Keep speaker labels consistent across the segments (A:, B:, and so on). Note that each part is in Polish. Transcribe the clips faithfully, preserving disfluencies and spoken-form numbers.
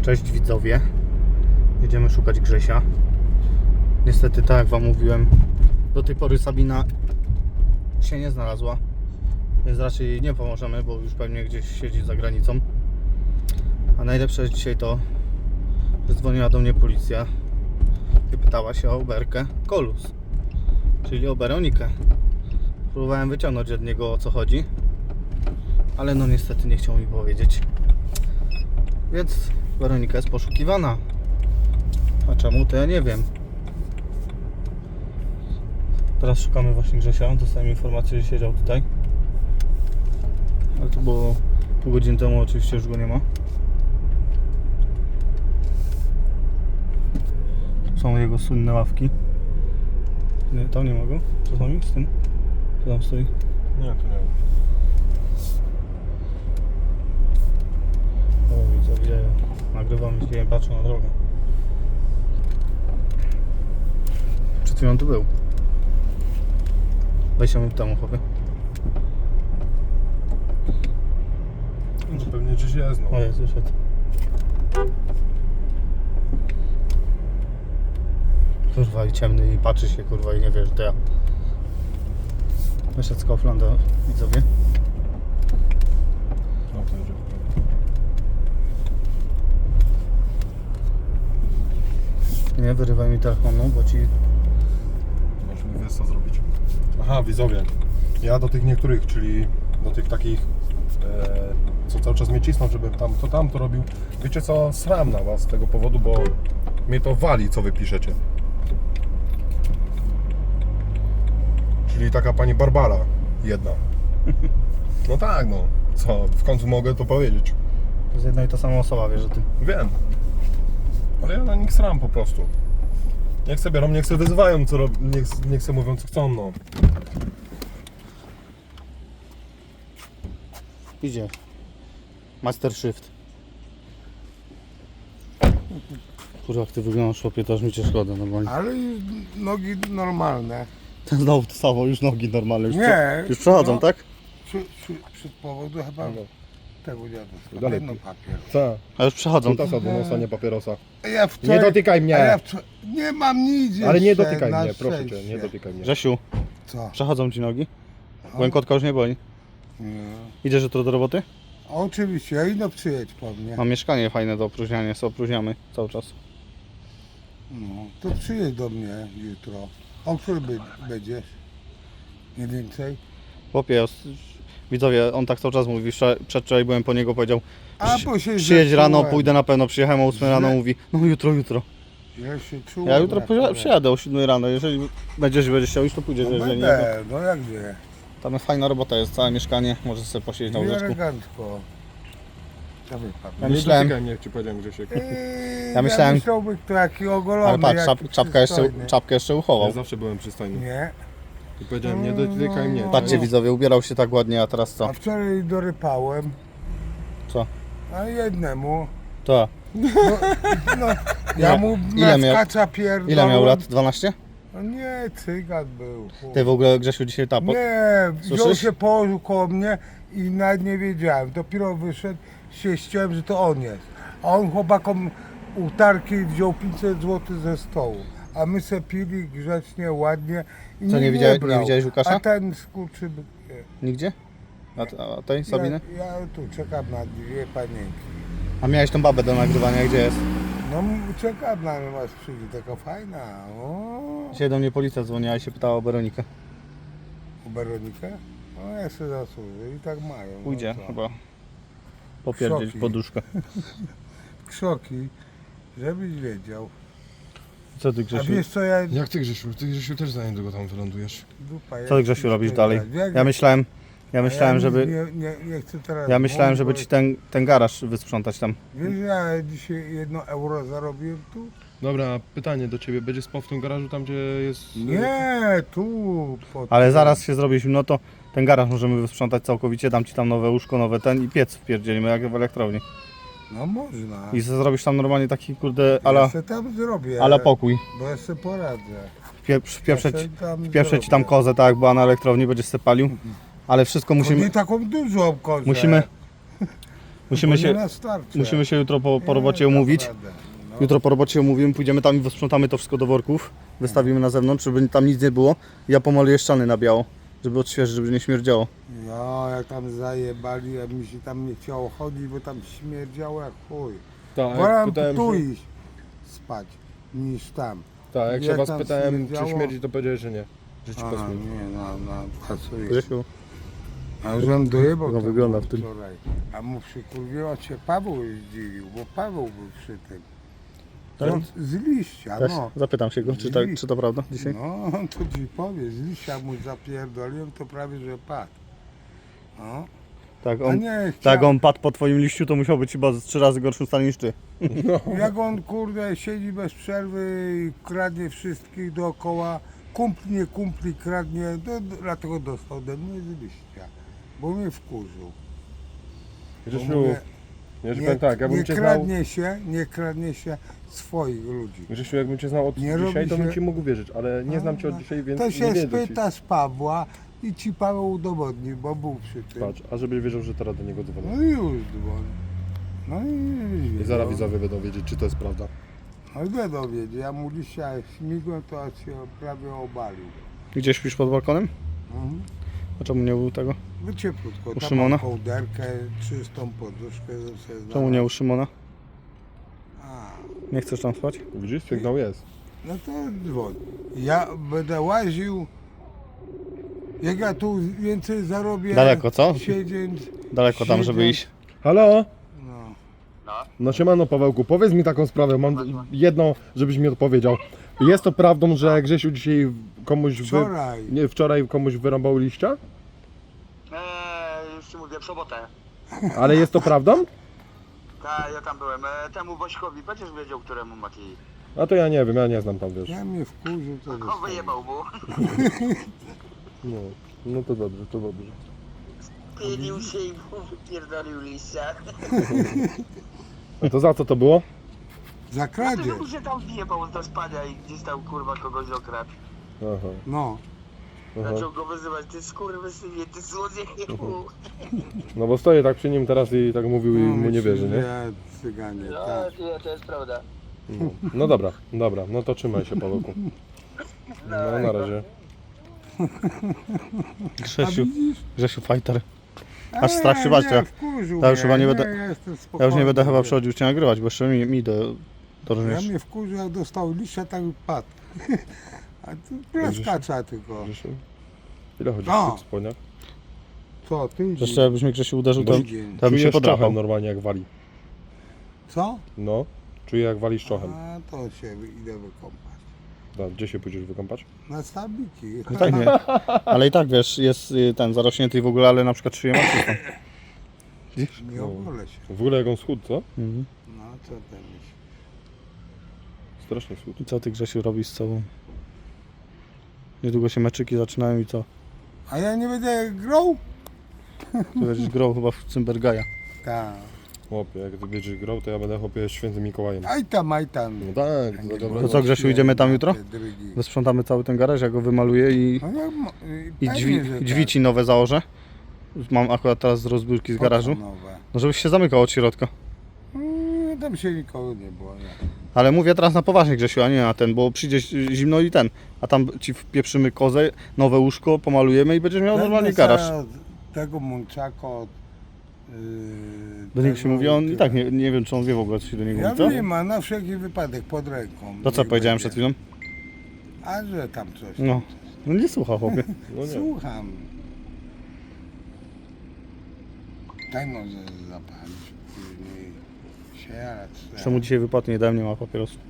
A: Cześć widzowie, jedziemy szukać Grzesia. Niestety, tak jak wam mówiłem, do tej pory Sabina się nie znalazła, więc raczej jej nie pomożemy, bo już pewnie gdzieś siedzi za granicą. A najlepsze jest dzisiaj to, że dzwoniła do mnie policja i pytała się o Berkę Kolus, czyli o Weronikę. Próbowałem wyciągnąć od niego, o co chodzi, ale no niestety nie chciał mi powiedzieć. Więc Weronika jest poszukiwana. A czemu, to ja nie wiem. Teraz szukamy właśnie Grzesia. Dostałem informację, że siedział tutaj. Ale to było pół godziny temu, oczywiście już go nie ma. Są jego słynne ławki. Nie, tam nie ma go. Co z nami? Z tym? Co tam stoi?
B: Nie, to nie.
A: O, widzę, gdzie nagrywam, gdzie patrzę na drogę. Przed chwilą tu był. dwadzieścia minut temu, chłopie.
B: No, pewnie gdzieś jest, no.
A: O, jest, wyszedł. Kurwa, i ciemny, i patrzy się, kurwa, i nie wie, że to ja. Wyszedł z Kauflanda, widzowie.
B: No, to jedzie.
A: Nie wyrywaj mi telefonu, bo ci...
B: Możesz mi wiesz co zrobić. Aha, widzowie. Ja do tych niektórych, czyli do tych takich, e, co cały czas mnie cisną, żebym tam to tam to robił. Wiecie co, sram na was z tego powodu, bo mnie to wali, co wy piszecie. Czyli taka pani Barbara, jedna. No tak, no. Co, w końcu mogę to powiedzieć.
A: To jest jedna i ta sama osoba, wiesz, że ty...
B: Wiem. Ale ja na nich sram po prostu. Niech sobie biorą, niech sobie wyzywają, co rob... niech, niech sobie mówią, co chcą, no.
A: Idzie. Master Shift. Kurwa, jak ty wyglądasz, chłopie, to aż mi cię szkoda normalnie.
C: Ale już nogi normalne.
A: Ten znowu to samo, już nogi normalne. Już,
C: Nie,
A: prze, już przechodzą,
C: no.
A: tak?
C: Przy, przy, przy powodu chyba
B: No.
C: tego dziadu.
B: Dalej.
C: Jedno papier.
B: Co?
A: A już przechodzą.
B: Kutasa do nosa, nie papierosa.
C: A ja wczoraj,
B: Nie dotykaj mnie.
C: a Ja wczoraj, nie mam nic
B: Ale nie
C: jeszcze,
B: dotykaj
C: na
B: mnie, proszę cię,
C: szczęście.
B: nie dotykaj mnie.
A: Grzesiu,
C: Co?
A: przechodzą ci nogi?
C: O.
A: Łękotka już nie boli.
C: Nie.
A: Idziesz jutro do roboty?
C: A oczywiście, ja idę przyjedź po mnie.
A: Mam mieszkanie fajne do opróżniania, sobie opróżniamy cały czas.
C: No, to przyjedź do mnie jutro. O który by, będziesz? Mniej więcej?
A: Chłopie, os- widzowie, on tak cały czas mówi, wczoraj- przedwczoraj byłem po niego, powiedział
C: A,
A: "Przy-
C: bo się
A: przyjedź rano,
C: zepsułem.
A: pójdę na pewno, przyjechałem o ósmej rano,
C: Źle.
A: mówi, no jutro, jutro.
C: Ja się czułem.
A: Ja jutro
C: jak
A: poja-
C: chore.
A: przyjadę o siódmej rano, jeżeli będziesz, będziesz chciał iść, to pójdziesz,
C: No
A: jeżeli nie,
C: będę, no jak wie.
A: to tam jest fajna robota, jest całe mieszkanie, możesz sobie posiedzieć na
C: I
A: łóżeczku.
C: elegancko. Co wy pan?
A: Ja
B: Nie
A: myślałem-
B: dotykaj mnie, jak ci powiedziałem, Grzesiek.
C: Eee,
A: Ja myślałem-
C: myślałby kto jaki ogolony,
A: Ale patrz,
C: jaki
A: czap, czapka, jeszcze,
C: przystojny.
A: czapkę jeszcze
B: Ja
A: uchował.
B: zawsze byłem przystojny.
C: Nie.
B: I powiedziałem, nie dotykaj mnie.
A: Patrzcie
C: No.
A: widzowie, ubierał się tak ładnie, a teraz co?
C: A wczoraj dorypałem,
A: Co?
C: a jednemu,
A: To.
C: no, ja mu
A: Ile miał-
C: naskacza pierdolę.
A: Ile miał lat? dwanaście?
C: No nie, cygan był. chuj.
A: Ty w ogóle, Grzesiu, dzisiaj tapo.
C: Nie, wziął
A: Słyszysz?
C: się, położył koło mnie i nawet nie wiedziałem. Dopiero wyszedł, się ściąłem, że to on jest. A on chłopakom utarki wziął pięćset złotych ze stołu. A my se pili grzecznie, ładnie i
A: Co,
C: nie,
A: nie widziałeś-
C: brał.
A: nie widziałeś Łukasza?
C: A ten skurczy...
A: Nigdzie? A, a tej, Sabiny?
C: Ja, ja tu czekam na dwie panienki.
A: A miałeś tą babę do nagrywania, gdzie jest?
C: No czekam na mnie, aż przyjdzie, taka fajna. O,
A: Dzisiaj do mnie policja dzwoniła i się pytała o Weronikę.
C: u Weronikę? No ja się zasłużę i tak mają.
A: Pójdzie
C: no co?
A: chyba popierdzieć
C: Szoki.
A: poduszkę.
C: Krzoki, żebyś wiedział.
A: Co ty,
C: A
A: Grzesiu?
C: wiesz co ja...
B: Jak ty, Grzesiu? Ty, Grzesiu, też za niedługo tam wylądujesz.
C: Dupa,
A: Co ty, Grzesiu, robisz dalej? Ja myślałem, ja myślałem,
C: ja
A: żeby...
C: Nie, nie, nie chcę teraz...
A: Ja myślałem, żeby
C: mówić,
A: ci ten, ten garaż wysprzątać tam.
C: Wiesz, ja dzisiaj jedno euro zarobiłem tu?
B: Dobra, pytanie do ciebie. Będzie spał w tym garażu tam, gdzie jest...
C: Nie, tu. Pod
A: Ale
C: tym.
A: zaraz się zrobi zimno, to ten garaż możemy wysprzątać całkowicie, dam ci tam nowe łóżko, nowe ten i piec wpierdzielimy jak w elektrowni.
C: No można.
A: I zrobisz tam normalnie taki kurde
C: Ja
A: ala,
C: se tam zrobię.
A: ala pokój.
C: Bo ja sobie poradzę.
A: Wpie- Wpieprzeć,
C: Ja se tam
A: wpieprzeć ci tam
C: zrobię.
A: kozę, tak jak była na elektrowni, będziesz se palił. Ale wszystko
C: Musimy...
A: musimy,
C: Nie taką dużą kozę.
A: musimy, Musimy
C: Bo
A: się,
C: nie na starcie.
A: musimy się jutro po, po
C: Nie,
A: robocie umówić.
C: naprawdę, no.
A: Jutro po robocie umówimy, pójdziemy tam i wysprzątamy to wszystko do worków. Wystawimy na zewnątrz, żeby tam nic nie było. Ja pomaluję ściany na biało, żeby odświeżyć, żeby nie śmierdziało.
C: Ja, jak tam zajebali, jak mi się tam nie chciało chodzić, bo tam śmierdziało jak chuj.
B: Tak,
C: Wolałem
B: pytałem
C: tu
B: się,
C: iść spać, niż tam.
B: tak, jak się
C: jak
B: was
C: tam
B: pytałem, czy
C: śmierdziało?
B: śmierdzi, to powiedziałeś, że nie. Że ci
C: A,
B: pasuje.
C: nie, no, no, pasuje.
A: Grzesiu,
C: A żem dojebał
A: No,
C: to
A: wygląda
C: było
A: w tym.
C: wczoraj. A mu przykurwiło się Paweł zdziwił, bo Paweł był przy tym.
A: Tak?
C: To z liścia,
A: też
C: no.
A: zapytam się go, czy, tak, czy to prawda dzisiaj?
C: No, to ci powie, z liścia mu zapierdoliłem, to prawie, że padł. No.
A: Tak,
C: A
A: on,
C: nie,
A: tak,
C: chciał,
A: on padł po twoim liściu, to musiał być chyba z trzy razy gorszym stanie niż ty.
C: jak on kurde siedzi bez przerwy i kradnie wszystkich dookoła, kumpli, nie kumpli, kradnie, to, dlatego dostał ode mnie z liścia, bo mnie wkurzył. Bo
B: Grzesiu,
C: mówię,
B: ja ci
C: nie,
B: powiem tak, jakbym
C: nie
B: cię znał,
C: kradnie się, nie kradnie się swoich ludzi.
B: Grzesiu, jakbym cię znał od
C: Nie
B: dzisiaj,
C: robi
B: to bym
C: się-
B: ci mógł wierzyć, ale nie znam cię od dzisiaj, więc
C: To
B: nie
C: się
B: wierzę ci.
C: spyta z Pawła i ci Paweł udowodni, bo był przy tym.
B: Patrz, a żebyś wiedział, że teraz do niego dzwonię.
C: No i już dzwoni. No i
B: I zaraz widzowie będą wiedzieć, czy to jest prawda.
C: No i będą wiedzieć, ja mu dzisiaj śmigłem, to aż się prawie obalił.
A: Gdzie śpisz pod balkonem?
C: Mhm.
A: A czemu nie był tego?
C: No cieplutko,
A: U
C: tam
A: Szymona?
C: mam kołderkę, czystą poduszkę. sobie
A: Czemu
C: znalazłem.
A: nie u Szymona?
C: A,
A: Nie chcesz tam spać?
B: Widzisz, sygnał jest.
C: no to dzwoń. Ja będę łaził, jak ja tu więcej zarobię.
A: Daleko, co?
C: Siedzieć,
A: Daleko tam, żeby
C: Siedzę.
A: iść.
B: Halo?
C: no.
B: No siemano Pawełku, powiedz mi taką sprawę, mam jedną, żebyś mi odpowiedział. Jest to prawdą, że Grzesiu dzisiaj komuś wy...
C: Wczoraj.
B: nie, wczoraj komuś wyrąbał liścia?
D: Eee, już ci mówię, w sobotę.
B: Ale jest to prawdą?
D: Tak, ja tam byłem. E, temu Bośkowi będziesz wiedział, któremu Mati.
B: A to ja nie wiem, ja nie znam tam, wiesz.
C: Ja mnie wkurzył, to
D: On
C: zostawię.
D: wyjebał mu.
B: No, no to dobrze, to dobrze.
D: Pienił się i mu wypierdolił liścia.
B: A to za co to było?
C: Za kradzież.
D: Dlatego się tam wjebał do spania i gdzieś tam kurwa kogoś okradł.
B: Aha,
C: No.
B: aha.
D: Zaczął go wyzywać, ty skurwysynie, ty złodzieju.
B: No bo stoję tak przy nim teraz i tak mówił i
C: No,
B: mu nie
C: myślę,
B: wierzy,
C: że
B: nie?
C: Ja cyganie,
D: No,
C: tak.
D: to, to jest prawda.
B: No, no dobra, dobra, no to trzymaj się Pawełku. No na razie.
C: A
A: Grzesiu,
C: widzisz?
A: Grzesiu fighter.
C: A
A: Aż strach się bać,
C: nie,
A: to ja-
C: wkurzył
A: ja już
C: mnie,
A: chyba nie będę-
C: Ja, jestem
A: Ja już nie
C: spokojny,
A: będę chyba
C: wiesz.
A: przychodził cię nagrywać, bo jeszcze mi, mi do, do
C: Ja
A: również.
C: mnie wkurzył, jak dostał liścia, tak i padł. A tu plaskacza tylko.
B: Grzesiu? Ile chodzisz
C: No.
B: w tych spodniach?
C: Co, ty
A: Jeszcze jakbyś mnie Grzesiu uderzył, to,
C: Tydzień.
A: to bym się
B: Czujesz
A: podrapał.
B: czochem normalnie jak wali.
C: Co?
B: No, czuję jak walisz czochem.
C: A to się idę wykąpać.
B: Da, gdzie się pójdziesz wykąpać?
C: Na stabiki.
A: No tak nie. Ale i tak wiesz, jest y, ten zarośnięty w ogóle, ale na przykład szyję ma czystą.
C: Nie ogolę się.
B: W ogóle jak on schudł, co?
A: Mhm.
C: No co ty myślisz?
B: Strasznie schudł.
A: I co ty Grzesiu robisz z sobą? Niedługo się meczyki zaczynają i co?
C: A ja nie będę grał?
A: Ty będziesz grał chyba w Cymbergaja.
C: Tak.
B: Chłopie, jak ty będziesz grał, to ja będę chłopie świętym Mikołajem.
C: Aj tam, aj tam.
B: No tak, to dobra.
A: To co, Grzesiu, idziemy tam jutro?
C: Te drygi.
A: Wysprzątamy cały ten garaż, ja go wymaluję i,
C: No ja, mo- y,
A: i
C: pewnie,
A: drzwi,
C: że
A: drzwi
C: tak.
A: ci nowe założę. Mam akurat teraz z rozbiórki z
C: Po co
A: garażu.
C: nowe?
A: No żebyś się zamykał od środka.
C: Mm, tam się nikogo nie było. Nie.
A: Ale mówię teraz na poważnie Grzesiu, a nie na ten, bo przyjdzie zimno i ten. A tam ci wpieprzymy kozę, nowe łóżko, pomalujemy i będziesz miał normalnie
C: Będę
A: garaż.
C: sobie od Tego mączaka od... Yy,
A: Do niego się
C: tego
A: mówi, on i
C: tyle.
A: tak nie, nie wiem czy on wie w ogóle co się do niego
C: Ja
A: mówi, co?
C: wiem, a na wszelki wypadek pod ręką.
A: To co
C: niech
A: powiedziałem
C: będzie.
A: przed chwilą?
C: A że tam coś.
A: No, no nie słucha chłopie.
B: No nie.
C: Słucham. Daj może zapalić później. Sierać.
A: Czemu dzisiaj wypadnie nie dałem, nie ma papierosów.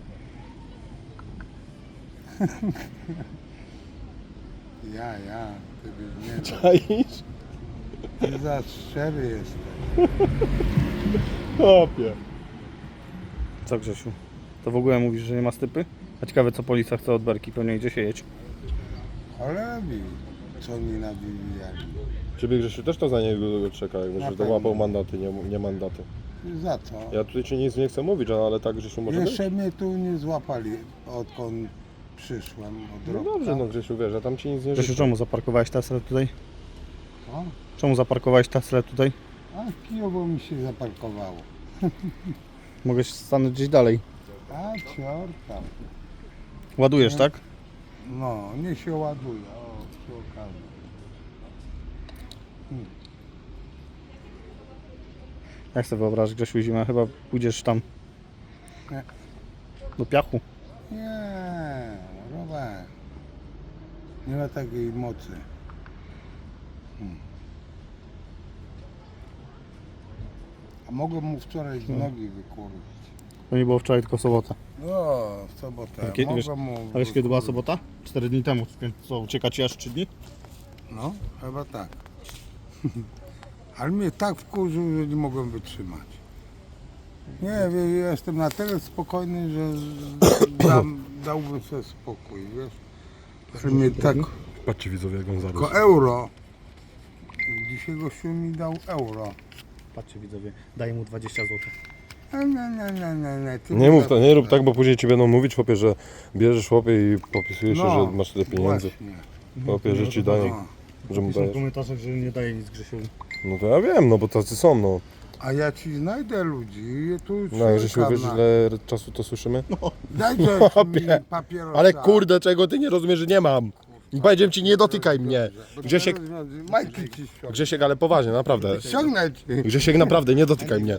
C: Ja, ja. Ty byś nie dał.
B: Czaisz?
C: Ty za szczery jesteś.
B: Chłopie.
A: Co Grzesiu? To w ogóle mówisz, że nie ma stypy? A ciekawe co policja chce od Berki, pewnie gdzie się jedź.
C: Cholera wie, co oni nawijali.
B: Ciebie Grzesiu też to za niego czeka, jakby,
C: Na
B: że to
C: pewno.
B: łapał mandaty, nie, nie mandaty.
C: Za co?
B: Ja tutaj ci nic nie chcę mówić, ale tak Grzesiu może być.
C: Jeszcze mnie tu nie złapali, odkąd przyszłem od
B: No
C: roku.
B: dobrze, no Grzesiu, wiesz, ja tam ci nic nie
A: Grzesiu,
B: życzę.
A: czemu zaparkowałeś Teslę tutaj?
C: O,
A: Czemu zaparkowałeś Teslę tutaj?
C: A kijowo mi się zaparkowało.
A: Mogę się stanąć gdzieś dalej.
C: A cior tam.
A: Ładujesz, tak?
C: No, nie się ładuje. O, przy okazji.
A: Jak sobie wyobrażasz, Grzesiu, zimę? Chyba pójdziesz tam
C: Nie.
A: do piachu.
C: Nie, Robert. Nie ma takiej mocy. Hmm. A mogłem mu wczoraj z nogi wykurwić.
A: To nie było wczoraj, tylko w sobotę.
C: No, w sobotę.
A: Kiedy, wiesz,
C: Mogłem mu
A: a wiesz kiedy była
C: wykurwić.
A: sobota? Cztery dni temu, więc co, ucieka ci aż trzy dni?
C: No, chyba tak. Ale mnie tak wkurzył, że nie mogłem wytrzymać. Nie, wie, ja jestem na tyle spokojny, że z- dam, dałbym sobie spokój, wiesz. Że mnie tak...
B: Patrzcie widzowie, jak on zarósł.
C: Tylko euro. Dzisiaj gościu mi dał euro.
A: Patrzcie widzowie, daję mu dwadzieścia złotych.
C: Nie, nie, nie, nie, nie, nie. Ty
B: Nie
C: mi
B: mów
C: da-
B: to, nie rób tak, bo później ci będą mówić, chłopie, że bierzesz chłopie i popisujesz się,
C: No,
B: że masz tyle pieniędzy.
C: Właśnie.
B: Chłopie, że ci dają,
C: No.
B: że mu
A: Piszą w
B: dajesz.
A: komentarzach, że nie daje nic Grzesiu.
B: No to ja wiem, no bo tacy są, no.
C: A ja ci znajdę ludzi, tu
B: No, jeżeli się
C: czekam
B: wiesz,
C: na-
B: ile czasu to słyszymy.
C: Dajcie mi
B: Chłopie,
C: papierosa.
B: Ale kurde, czego ty nie rozumiesz, że nie mam. Powiedziałem ci, nie dotykaj mnie.
C: Bo
B: Grzesiek,
C: teraz Majki ci ściągnę.
B: Grzesiek, ale poważnie, naprawdę.
C: Ściągnę ci.
B: Grzesiek, naprawdę, nie dotykaj mnie.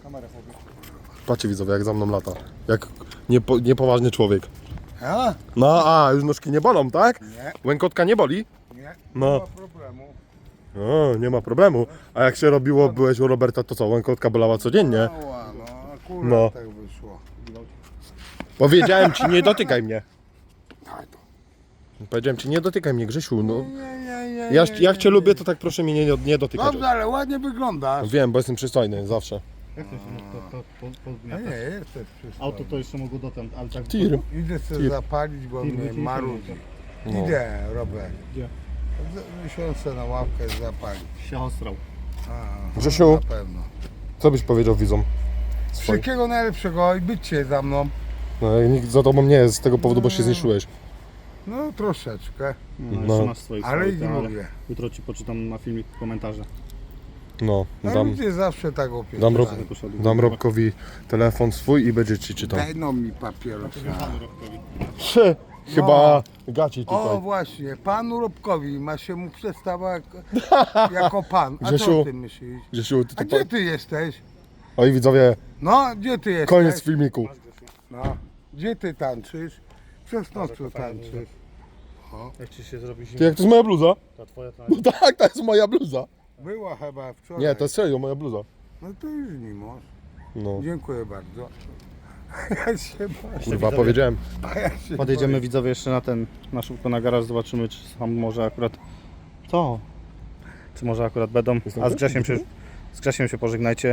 B: Patrzcie widzowie, jak za mną lata. Jak niepo, niepoważny człowiek.
C: A?
B: No, a, już nóżki nie bolą, tak?
C: Nie,
B: Łękotka nie boli?
C: nie,
B: No.
C: nie ma problemu.
B: O, nie ma problemu. A jak się robiło, byłeś u Roberta, to co, łękotka bolała codziennie?
C: Ała, no akurat
B: No.
C: tak wyszło.
B: Powiedziałem ci, nie dotykaj mnie.
C: Daj to.
B: Powiedziałem ci, nie dotykaj mnie, Grzesiu. No.
C: Nie, nie, nie,
B: Ja,
C: nie,
B: jak
C: nie,
B: cię
C: nie.
B: lubię, to tak proszę mnie nie, nie dotykać.
C: Dobrze, ale ładnie wyglądasz.
B: Wiem, bo jestem przystojny, zawsze.
A: Jak to się to, to, po, po,
C: A nie, jesteś przystojny.
A: Auto to jeszcze mogło dotem, ale tak...
B: Tir.
C: Idę sobie
B: Tir.
C: zapalić, bo
A: Tir,
C: mnie
A: wyciągnij
C: marudzi.
B: No.
C: Idę, Robert.
A: Gdzie?
C: Miesiące na ławkę zapalić.
A: Się ostrał.
C: A,
B: Grzesiu.
C: Na pewno.
B: Co byś powiedział widzom? Swoim.
C: Wszystkiego najlepszego i bycie za mną.
B: No, jak nikt za tobą nie jest z tego powodu, bo się zniszczyłeś.
C: No troszeczkę,
A: No,
B: No.
A: jeszcze masz swoich
C: ale
A: swoich,
C: nie mówię.
A: Jutro ci poczytam na filmik komentarze.
B: No,
C: No
B: dam,
C: ludzie zawsze tak opiewają.
B: dam, Rob,
A: Poszedł.
B: dam Robkowi telefon swój i będzie ci czytał.
C: Daj no mi papierosa.
B: Trzy, chyba gaci
C: O
B: tutaj.
C: właśnie, panu Robkowi ma się mu przedstawa jako pan. A co
B: Grzesiu,
C: ty myślisz?
B: Grzesiu, ty
C: A
B: to
C: gdzie
B: pa...
C: ty jesteś?
B: Oj widzowie,
C: No, gdzie ty jesteś?
B: koniec filmiku.
C: No, gdzie ty tańczysz? Przez noc tu tańczysz.
A: Jak ci się zrobi
B: Ty,
A: zimno?
B: jak to jest moja bluza?
A: Ta twoja ta...
B: No tak, to jest moja bluza.
C: Była chyba wczoraj.
B: Nie, to jest serio moja bluza.
C: No to już nie masz.
B: No,
C: Dziękuję bardzo. Ja się boję.
B: kurwa, powiedziałem.
C: A ja się
A: Podjedziemy
C: boję.
A: widzowie jeszcze na ten, na szybko na garaż, zobaczymy czy tam może akurat... Co? Czy może akurat będą? A z Grzesiem się, z Grzesiem się pożegnajcie.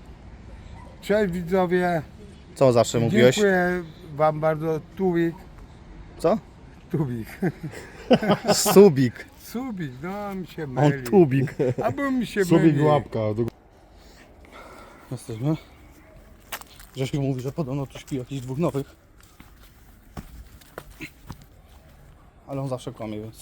C: Cześć widzowie.
A: Co zawsze mówiłeś?
C: Dziękuję wam bardzo. Tuwik.
A: Co?
C: Tubik.
A: Subik.
C: Subik, no mi się
A: On
C: myli.
A: tubik.
C: Albo mi się
B: Subik
C: myli.
B: łapka.
A: Jesteśmy. Grzesiu mówi, że podobno tu śpi jakichś dwóch nowych. Ale on zawsze kłamie, więc...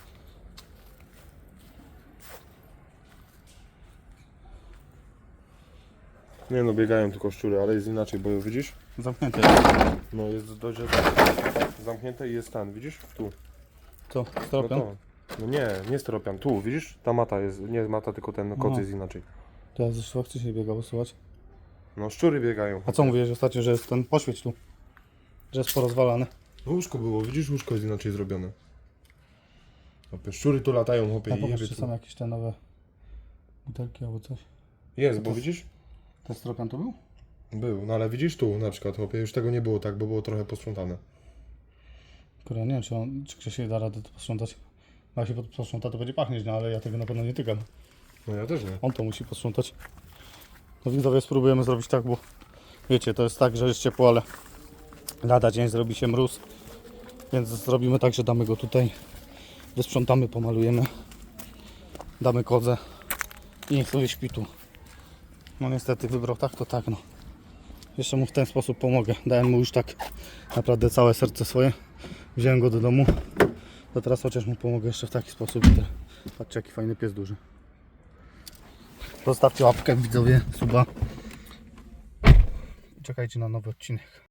B: Nie no, biegają tylko szczury, ale jest inaczej, bo widzisz?
A: Zamknięte.
B: No jest dość zamknięte i jest ten, widzisz? Tu.
A: Co?
B: No,
A: Stropian?
B: to. No nie, nie steropian, tu, widzisz? Ta mata jest, nie mata, tylko ten koc
A: Aha.
B: jest inaczej.
A: To ja zresztą chcę się biegał, słuchać.
B: No szczury biegają.
A: A co mówiłeś ostatnio, że jest ten poświeć tu? Że jest porozwalane.
B: No łóżko było, widzisz? Łóżko jest inaczej zrobione. Hopie, szczury tu latają, hopie,
A: Ja
B: i
A: popatrz,
B: jebie
A: czy
B: tu.
A: są jakieś te nowe butelki albo coś.
B: Jest, bo widzisz?
A: Ten stropian to był?
B: Był, no ale widzisz tu na przykład, hopie, już tego nie było tak, bo było trochę posprzątane.
A: Kurde, nie wiem, czy, on, czy Grzesiek da radę to posprzątać. Bo jak się posprząta, to będzie pachnieć, no ale ja tego na pewno nie tykam.
B: No ja też nie.
A: On to musi posprzątać. No widzowie, spróbujemy zrobić tak, bo wiecie, to jest tak, że jest ciepło, ale lada dzień zrobi się mróz. Więc zrobimy tak, że damy go tutaj, wysprzątamy, pomalujemy, damy kozę i niech sobie śpi tu. No niestety wybrał tak, to tak no. Jeszcze mu w ten sposób pomogę. Dałem mu już tak naprawdę całe serce swoje. Wziąłem go do domu. To teraz chociaż mu pomogę jeszcze w taki sposób. Patrzcie, jaki fajny pies duży. Zostawcie łapkę, widzowie, suba. Czekajcie na nowy odcinek.